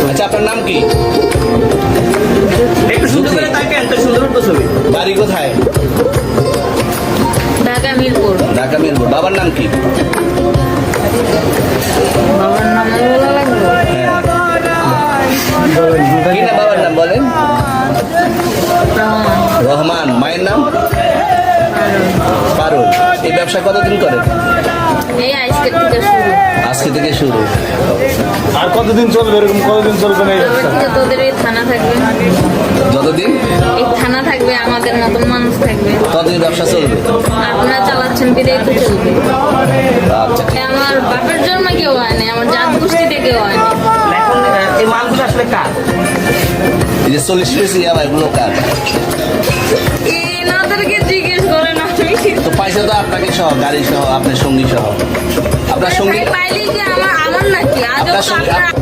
আচ্ছা, আপনার নাম কি? একটু সুন্দর করে তাকেন, তো সুন্দর তো ছবি। বাড়ি কোথায়? ঢাকা মিরপুর। ঢাকা মিরপুর। বাবার নাম কি? বাবার নাম বলা লাগলো? হ্যাঁ, কি না বাবার নাম বলেন? রহমান। রহমান। মায়ের নাম? পারুল। এই ব্যবসা কতদিন করেন? এই আজকের থেকে শুরু। আজকে থেকে শুরু। আর কতদিন চলবে, এরকম কতদিন চলবে না এই তবে ব্যবসা? থেকে তোদের এই থানা থাকবে, যতদিন এই থানা থাকবে, আমাদের মতন মানুষ থাকবে। ততদিন ব্যবসা চলবে। আপনারা চালাচ্ছেন বিদেই তো চলবে। আচ্ছা, এ আমার বাপের জন্ম কেউ হয়নি, আমার জাত গোষ্ঠীতে কেউ হয়নি। এখন এই মালগুলো আসলে কার? এই যে 40 পিস ইয়াবা, এগুলো কার? এনাদেরকে জিজ্ঞেস করেন। আমি তো পয়সা তো আপনাকে সহ, গাড়ি সহ, আপনার সঙ্গী সহ। আপনার সঙ্গী পাইলে কি আমার নাকি আজও আপনার তো সঙ্গে আপনারা